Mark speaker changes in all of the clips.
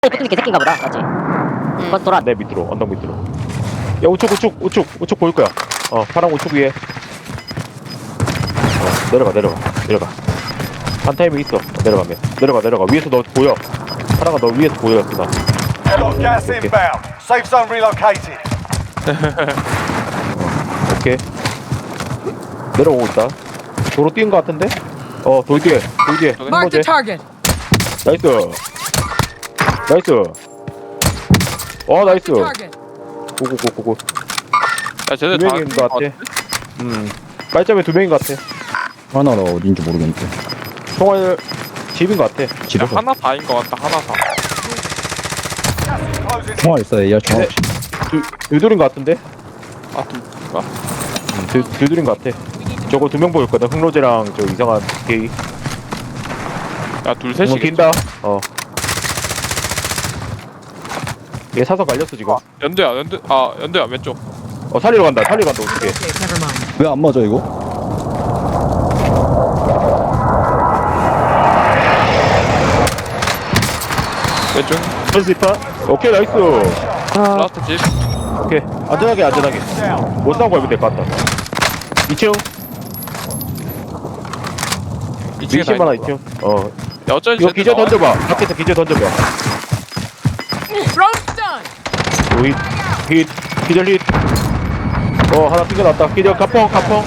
Speaker 1: 붙은 게 새끼인가 보다. 맞지? 그건 돌아.
Speaker 2: 내 밑으로 언덕 밑으로. 야 우측 보일 거야. 파랑 우측 위에. 내려가. 한 타이밍 있어. 내려가. 위에서 너 보여. 파랑아 너 위에서 보여. 그다.
Speaker 3: Got gas inbound. Safe zone relocated.
Speaker 2: 오케이. 내려오고 있다. 도로 뛰는 거 같은데? 돌 뒤에.
Speaker 4: Mark the target.
Speaker 2: 나이스. 나이스.
Speaker 4: Target.
Speaker 2: 고고.
Speaker 5: 야 쟤네
Speaker 2: 두
Speaker 5: 다
Speaker 2: 명인 것 같아. 빨점에 2명인 것 같아.
Speaker 6: 하나가 어딘지 모르겠는데.
Speaker 2: 총알 집인 것 같아.
Speaker 5: 야,
Speaker 6: 집에서
Speaker 5: 하나 다인 것 같다 하나 다.
Speaker 3: Closing.
Speaker 6: 총알 있어요. AR 총알 없이.
Speaker 2: 둘둘인 것 같은데?
Speaker 5: 아 둘인가?
Speaker 2: 둘둘인 것 같아. 저거 2명 보였거든. 흑로제랑 저 이상한 게이.
Speaker 5: 야둘
Speaker 2: 뭐
Speaker 5: 셋이
Speaker 2: 긴다. 얘 사서 갈렸어 지금.
Speaker 5: 연두야 왼쪽.
Speaker 2: 살리러 간다 어떻게?
Speaker 4: Okay, never mind.
Speaker 6: 왜 안 맞아 이거?
Speaker 5: 왼쪽
Speaker 2: 펜스파. 오케이 나이스.
Speaker 5: 라스트 집.
Speaker 2: 오케이 안전하게. 못 싸우고 가면 될 것 같다. 2층.
Speaker 5: 2층에 다
Speaker 2: 20만 원
Speaker 5: 있는
Speaker 2: 2층.
Speaker 5: 거야. 야 어쩐지
Speaker 2: 이거 기절 던져봐. 밖에서 기절 던져봐.
Speaker 4: Throw stun.
Speaker 2: 힛. 기절 힛. 하나 튕겨놨다. 기절 가펑.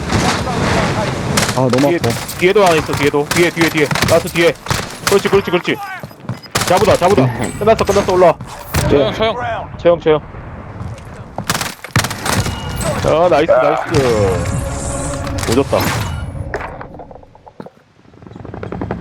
Speaker 6: 아 너무
Speaker 2: 뒤에,
Speaker 6: 아파.
Speaker 2: 뒤에도 하나 있어. 뒤에. 라스 뒤에. 그렇지. 자부다. 끝났어. 올라와.
Speaker 5: 서영
Speaker 3: Ground.
Speaker 2: 채영. 나이스. 오졌다.